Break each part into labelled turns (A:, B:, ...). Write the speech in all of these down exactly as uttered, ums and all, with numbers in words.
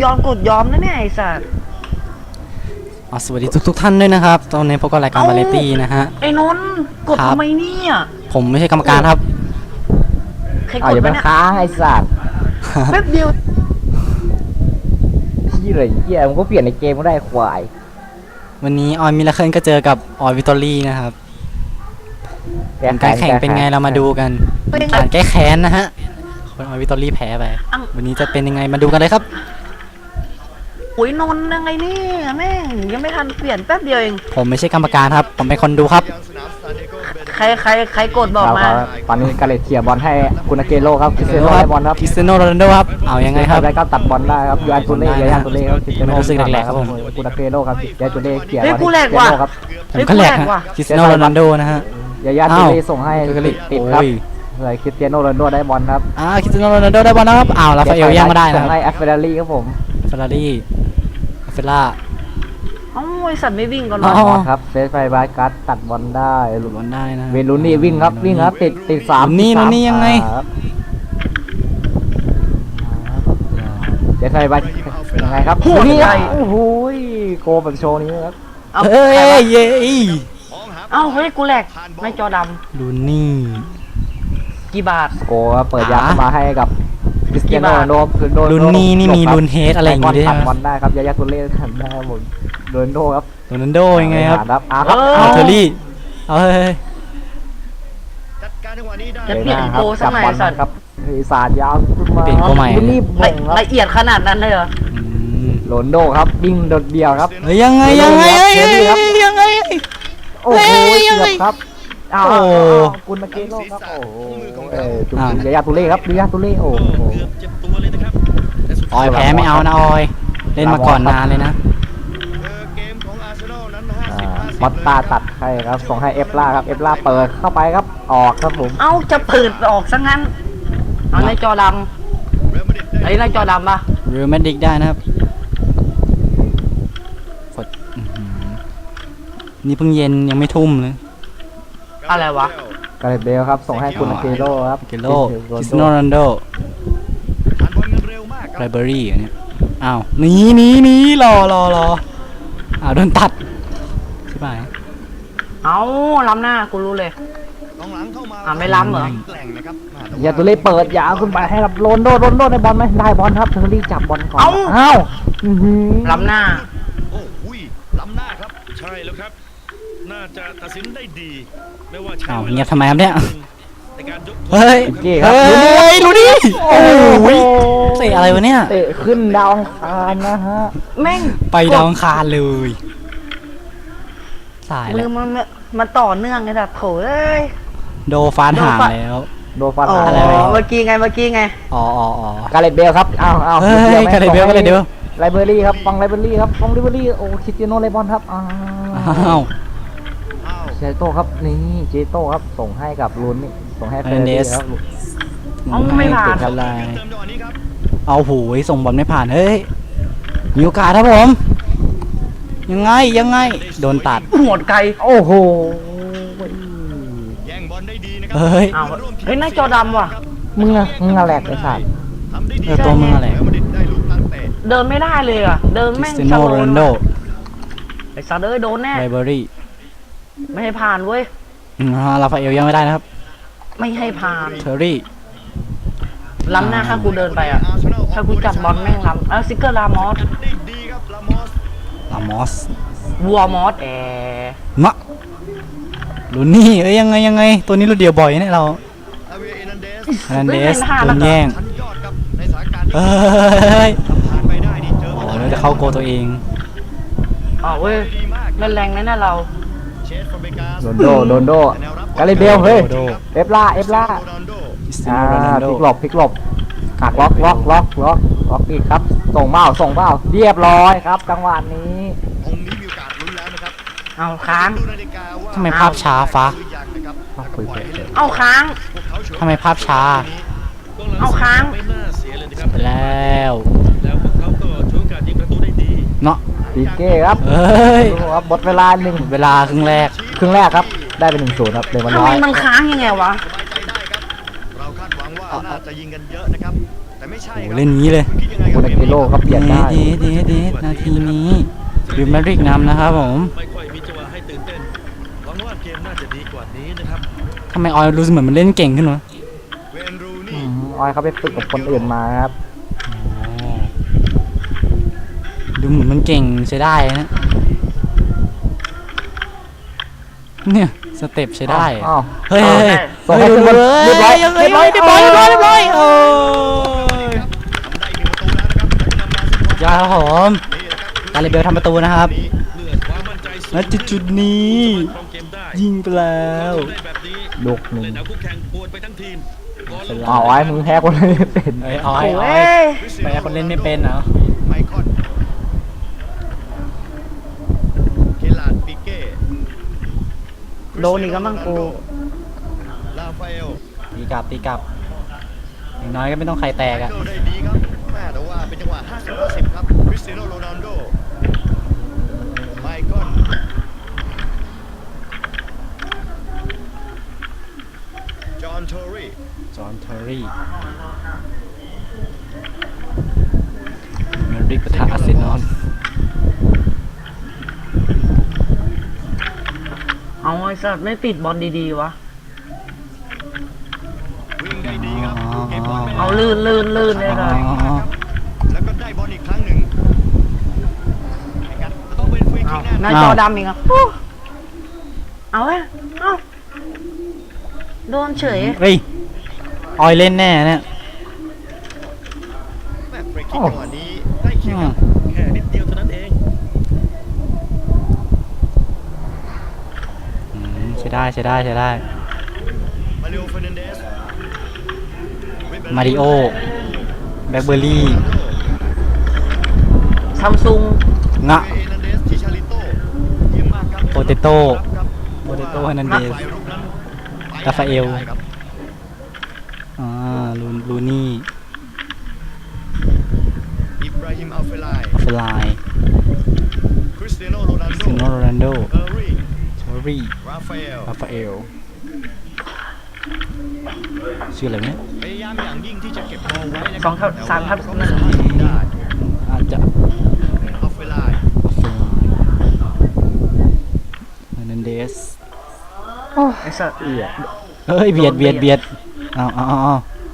A: ยอมกดยอมนะเนี่ยไอ้สัส
B: อ๋อสวัสดีทุกทุกท่านด้วยนะครับตอนนี้พบกับรายการวาไรตี้นะฮะ
A: ไอ้นนท์กดทำไมเนี่ย
B: ผมไม่ใช่กรรมการครับ
A: ใครกด
C: อย่าไปค้างไอ้สัตว์
A: แป๊บเดียว
C: พี่เลยเหี้ยมันก็เปลี่ยนในเกมก็ได้ควาย
B: วันนี้ออยมิลเคิลก็เจอกับออยวิตอรี่นะครับการแข่งเป็นไงเรามาดูกันการแก้แค้นนะฮะคนออยวิตอรี่แพ้ไปวันนี้จะเป็นยังไงมาดูกันเลยครับ
A: โอ้ยนนท์ยังไงนี่แม่งยังไม่ทันเปลี่ยนแป๊บเดียวเอง
B: ผมไม่ใช่กรรมการครับผมเป็นคนดูครับ
A: ใครใครใครกดบอกมา
C: ตอนนี้กาเลตเทียบอลให้คุณอาเกโร่ครับคริสเตียโน่ได้บอลครับ
B: คริสเตียโนโรนัลโดครับเอายังไงครับ
C: ได้ก็ตัดบอลได้ครับยูอันตูเล่ยาตูเล่ครับคริสเตียโน่
B: รู้สึกแหลกๆครับผม
C: คุณอาเกโร่ครับยาตูเล่เขี่ย
A: เฮ้ยกูแหลกว่ะ
B: ผมก็แหลกฮะคริสเตียโนโรนัลโดนะฮะ
C: ยายาตูเล่ส่งให้ติดครับเลยคริสเตียโน่โรนัลโดได้บอลครับ
B: อ่าคริสเตียโนโรนัลโดได้บอลนะครับอ้าวลาฟาเอลยังไม่ได้นะ
C: ส่งให้แอฟเฟอร์รี่ครับผม
B: เฟอร์รารี่เฟล่า
A: อ๋อไอสัตว์ไม่วิ่งก่อนหร
C: อครับเซฟไฟบาร์กัสตัดบอลได้
B: หลุดบอลได้นะ
C: เวลูนี่วิ่งครับวิ่งครับติดติดสาม
B: นี่นี่ยังไง
C: เซฟไฟบาร์ยังไงครับนี่โอ้โหโกแบบโชว์นี้ครับ
B: เฮ้ยเย้
A: เอ้าเฮ้ยกูแหลกไม่จอดำ
B: ลูนี่
A: กี่บาท
C: โกเปิดยามาให้กับคริสเตียโนโรนัลโด
B: ลูนี่นี่มีลูนเฮดอะไรอย่างงี้ด้วย
C: บอลได้ครับยายาตุเล่ทำได้หมดโรนัลโดครับ
B: โรนัลโดยังไงครับ
C: เอา
B: เทอรี่เอาเฮ้ย
A: จะเปลี่ยนโกสักหน่อยสัตว์
C: ครับศาสตร์ยาวขึ้นมา
B: เปลี่ยนโกใหม่
C: รีบบ่ง
A: ละเอียดขนาดนั้นเลยเหรอ
C: โรนัลโดครับวิ่งโดดเดี่ยวครับ
B: ยังไงยังไงยังไง
C: โอ้โหเกือบครับอ้าวคุณมาเกโร่ครับโอ้โหจุ๊บยายาตุเล่ครับยายาตุเล่โอ้โห
B: ออยแพ้ไม่เอานะออยเล่นมาก่อนนานเลยนะ
C: มอตตาตัดให้ครับส่งให้เอฟล่าครับเอฟล่าเปิดเข้าไปครับออกครับผม
A: เอ้าจะเปิดออกซะงั้นเอาในจอดำไอ้ในจอดำปะ
B: เรือแมดิกได้นะครับกดนี่เพิ่งเย็นยังไม่ทุ่มเลย
A: อะไรวะ
C: กาเลตเบลครับส่งให้คุณอาเกโร่ครับ
B: เกโร่คริสโนโรนัลโดไรเบอรี่อันนี้อ้าวหนีหนีหนีรอรอรออ้าวโดนตัดใช่ไหม
A: เอาล้ำหน้ากูรู้เลยอ่าไม่ล้ำเหรอ
C: อย่าตัวเล่เปิดยาวขึ้นไปให้กับโรนโดโรนโดได้บอลไหมได้บอลครับเทอร์รี่จับบอลก่อนอ้าว
A: ล้ำหน้า
D: โอ้ยล้ำหน้าครับใช่แล้วครับน่าจะตัดสินได้ดีไม่ว่า
B: อ้าวเงียบทำไมครับเนี่ย
C: เฮ้ย
B: เฮ้ยรู้ดิโอ้ยเตะอะไรวะเนี่ย
C: เตะขึ้นดาวอังคารนะฮะ
A: แม่ง
B: ไปดาวอังคารเลยสายแล้ว
A: มันมันต่อเนื่องไงแบบโถเอ้ย
B: โดฟานหางแล้ว
C: โดฟานหาง
A: อะไรเมื่อกี้ไงเมื่อกี้ไง
B: อ๋ออ๋ออ๋อก
C: าเลตเบลครับอ้าวอ้าว
B: เฮ้ยกาเลตเบลกาเลตเบล
C: ไลเบอรี่ครับฟังไลเบอรี่ครับฟังไลเบอรี่โอ้คริสเตียโนเลบอนครับอ้าวเจโต้ครับนี่เจโต้ครับส่งให้กับลูนนี่ส่งให้เฟรนเดสครับ
A: เอาไม่ผ่าน
B: อะไรเอาหูยส่งบอลไม่ผ่านเฮ้ยมีโอกาสครับผมยังไงยังไงโดนตัด
A: หมดไกล
C: โอ้โห
D: แย่งบอลได้ดีนะครั
B: บเฮ้ย
A: เฮ้ยนายจอดำว่ะ
C: มึงอะมึงอะแหลกไอ้สัตว์
B: เออตัวมึงอะไร
A: เดินไม่ได้เลยอะเดินแม่งชะโลนไอ้สัตว์เอ้ยโดนแน่
B: ไลเบอรี่
A: ไม่ให้ผ่านเว้ย
B: ลาฟาเอลยังไม่ได้นะครับ
A: ไม่ให้ผ่าน
B: เทอร์รี่
A: ล้ำหน้าถ้ากูเดินไปอ่ะถ้ากูจับบอลแม่งล้ำแล้วซิกเกอร์ลามอส
B: ลามอส
A: วัวมอสแอ
B: มะลูนี่เอ้ยยังไงยังไงตัวนี้เราเดียวบ่อยเนี่ยเราฮานันเดสโดนแย่งเฮ้ยโอ้เราจะเข้าโกตัวเอง
A: อ๋อเว้ยเล่นแรงนะเรา
C: โดนโดโดนโดกาเลเบลเฮ้ยเอฟล่าเอฟล่าอ่าพลิกหลบพลิกหลบหักล็อกล็อกล็อกล็อกล็อกอีกครับส่งเบ้าส่งเบ้าเรียบร้อยครับจังหวะนี้
A: เอาค้าง
B: ทำไมภาพช้าฟ้า
A: เอาค้าง
B: ทำไมภาพช้า
A: เอาค้าง
B: ไปแล้ว
D: แล้วพวกเขาก็ช่วยการยิงประตูได้ดี
B: เนาะ
C: ปีเก้ครับ
B: เฮ้ย
C: หมดเวลาหนึ่ง
B: เวลาครึ่งแรก
C: ครึ่งแรกครับได้เป็นหนึ่งศูนย์ครับเลยมันน้อย
A: ทำไมมันค้างยังไงวะ
D: เราคาดหวังว่าน่าจะยิงกันเยอะนะครับแต่แต่ไม่ใช่
B: โอ้
D: ครับ
B: เล่นงี้เลย
D: คุณคิดยังไง
C: โม
D: กับ
C: เนกิโลก็เปลี่ยน
B: เด
C: ได้
B: เดเดเดนาทีนี้บิวแมริกนำนะครับผม
D: ไม่ค่อยมีจังหวะให้ตื่นเต้นหวังว่าเกมน่าจะดีกว่านี้นะครับ
B: ทำไมออยรู้สึกเหมือนมันเล่นเก่งขึ้นวะ
D: เวนรู
C: อื
D: นี่
C: มออยเขาไปฝึกกับคนอื่นมาครับ
B: ดูเหมือนมันเก่งใช้ได้นะเนี่ยสเต็ปใช้ได้
C: อ้าว
B: เฮ้ยเฮ้ย
C: ส่งให้ขึ้นบนเรียบร้อย
B: เรียบร้อยเรียบร้อยเรียบร้อยเรียบร้อยเรียบร้อยโอ้ย
D: ทำได้หนึ่งประตูแล้วนะครับแล้วก็นำมาซึ่ง
B: ยาครับผมการเลเบลทำประตูนะครับ
D: นี้เลือดความมั่นใจสูง
B: ณจุดจุดๆนี้
D: ครองเกมได้
B: ยิงไปแล้ว
D: ได้แบบนี้
C: ลูกหนึ่ง
D: เล่นเอาคู่แข่งปวดไปทั้งทีมก่อนลง
C: อ้าวไอ้มึงแพ้คนเลยเป็น
B: เอ้ยออยอ
A: โอ้
B: อย
A: ย
B: ไปคนเล่นไม่เป็นเหรอ
D: ไมคอนเคลาดปิเก้
A: โดนอีกแล้วมั้งกู
D: ลาฟาเอล
B: ตีกลับตีกลับอย่างน้อยก็ไม่ต้องใครแตกอะ
D: เกิลได้ดีครับแม่แต่ว่าเป็นจังหวะห้าสิบ ห้าสิบครับคริสเตียโนโรนัลโดไมคอนจอห์นเทอร์รี่
B: จอห์นเทอร์รี่เมริกปะทะอาร์เซนอล
A: เอาไอ้สัตว์ไม่ติดบอลดีๆวะ
D: วิ่งได้ดีครับเก็บบอลไม่ได้
A: เอาลื่นลื่นลื่นเลย
B: อ๋
A: นะ
B: อ
D: แล้วก็ได้บอลอีกครั้งหนึ่งนะครับต้องเป็นฟรีคิกแน่
A: นายจอดำอีกอ่ะฮู้เอาเว้ยเอาโดนเฉย
B: เฮ้ยออยเล่นแน่เนี่ย
D: แม่ฟรีคิกจังหวะนี้ได้เคียงครับแค่นิดเดียวเท่านั้นเอง
B: อืมใช้ได้ใช้ได้ใช้ได้
D: มาริโอเฟอร์นันเดส
B: มาริโอแบล็คเบอร์รี่
A: ซัมซุง
B: งะ
D: เอนันเดสชิชาริโต้เยี่ยมมากครับ
B: โปเตโต้
D: ครับ
B: โปเตโต้เฮร์นันเดส
D: ฝ่ายรุกนั้นไป
B: ราฟาเอล
D: ได้ครับ
B: อ่าลูลูนี่
D: อิบราฮิมอัลเฟลาย
B: อัฟไลน์
D: คริสเตียโนโรนัล
B: คริส
D: โด
B: เตียโนโรนัลโด
D: เออร์รี่
B: เทอร์รี่
D: ราฟาเอล
B: ราฟาเอลชื่ออะไรเนี่ย
D: พยายามอย่างยิ่งที่จะเก็บบอลไว้นะค
A: ส
D: รั
A: องทับสามทับ
D: แต่
A: หนึ่ง
D: ว่าก็ไม่สามารถทำได้
B: อาจจะ
D: อัลเฟลาย
B: อัฟไลน์เฮอร์นันเดส
A: ไอ้สัตว์
C: เอีย
B: เฮ้ยเบียดเบียดเบียดเอาเอาเอาเอา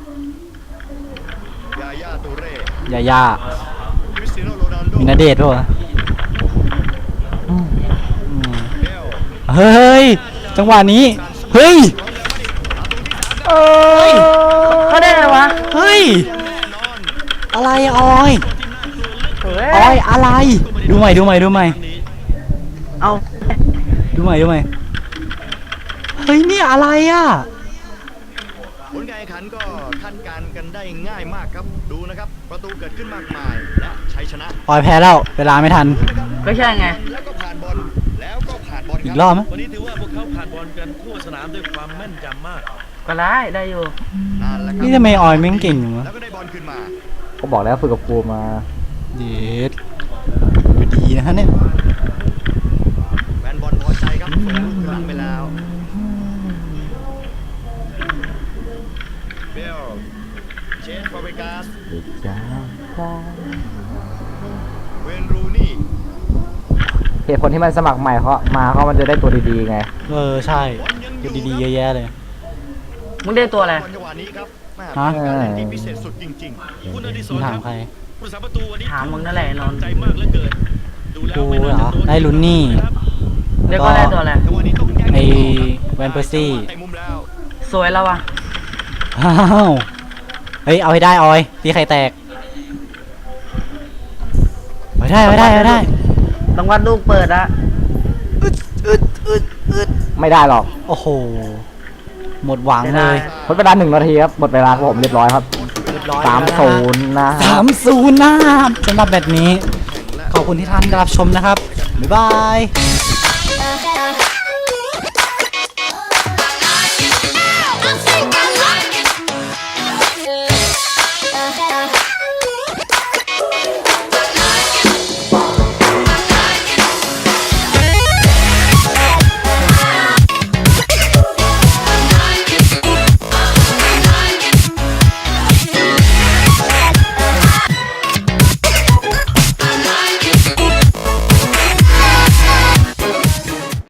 D: ยาย่าตูเร่
B: ยาย่า
D: คริสเตียโนโรนัลโด
B: มีนาเดชน์ป่ะวะอืม
D: เบล
B: เฮ้ย จังหวะนี้ เฮ้ย
A: เออเขาได้ไงวะ
B: เฮ้ย
D: แน่นอน
B: อะไรอะออย
A: เฮ้
B: ออย ยอะไร ดูใหม่ดูใหม่ดูใหม่
A: เอา
B: ดูใหม่ดูใหม่เฮ้ยนี่อะไรอ่ะ
D: ผลการแข่งขันก็คาดการณ์กันได้ง่ายมากครับดูนะครับประตูเกิดขึ้นมากมายและชัยชนะ
B: ออยแพ้แล้ว เวลาไม่ทัน
D: นะครับ
A: ก็ใช่ไง
D: แล้วก็ผ่านบอลแล้วก็ผ่านบอลค
B: อี
D: รั
B: กรอบไหม
D: วันนี้ถือว่าพวกเขาผ่านบอลกันทั่วสนามด้วยความแม่นยำมาก
A: ก็ได้ได้อยู่
D: นั่นแหละครับ
B: นี่ทำไมออยแม่งเก่งอยู่วะ
D: แล้วก็ได้บอลขึ้นมา
C: ก็บอกแล้วฝึกกับกูมา
B: เย็ดดูดีนะฮะเนี่ย
D: แฟนบอลพอใจครับเปิดลูกหลังไปแล้วเบลเชนฟาเบกาส
C: จ้า
D: เวนรูนี่
C: เหตุผลที่มันสมัครใหม่เขามาเขามันจะได้ตัวดีๆไง
B: เออใช่ดูดีๆเยอะแยะเลย
A: มึงได้ตัวอะไร
D: บอลจังหวะนี้ครับแม่
B: ฮะ
D: เป็นการเล่นที่พิเศษสุดจริงๆคุณอดิศ
B: มึง
D: ร
B: ถาม
D: ค
B: ใคร
D: รับผู้รักษาประตูวันนี้
A: ถามมึงนั่นแหละนนท์
D: ใจมากเหลือเกินดูแล้ว
B: กู
D: ไม่
B: เหร
D: น่า
B: อ
D: จะโดน
B: ได้ลุ้นนี่
A: เรียกว่าได้ตัวอะไร
D: จังหวะนี้ต้องแย่ง
B: ไอ้
D: ต่อครับ
B: แวนเปอร์ซี่
D: เตะมุมแล้ว
A: สวยแล้ววะ
B: อ้าวเฮ้ย เอาให้ได้ออยตีไข่แตกเอาให้ได้เอาให้ได้เอาให้ได้
A: ต้องวัดลูกเปิดอะ
B: อึดอึดอึดอึด
C: ไม่ได้หรอก
B: โอ้โห หมดหวังเลย
C: ทดเวลาหนึ่งนาทีครับหมดเวลาครับผมเรียบร้อยครับ
B: เรียบร้อย
C: สาม
B: แล้วะ
C: ศูนย์นะค
B: สา
C: รับ
B: มศูนย์นะครับสำหรับแบบนี้ ขอบคุณที่ท่านรับชมนะครับ บ๊ายบาย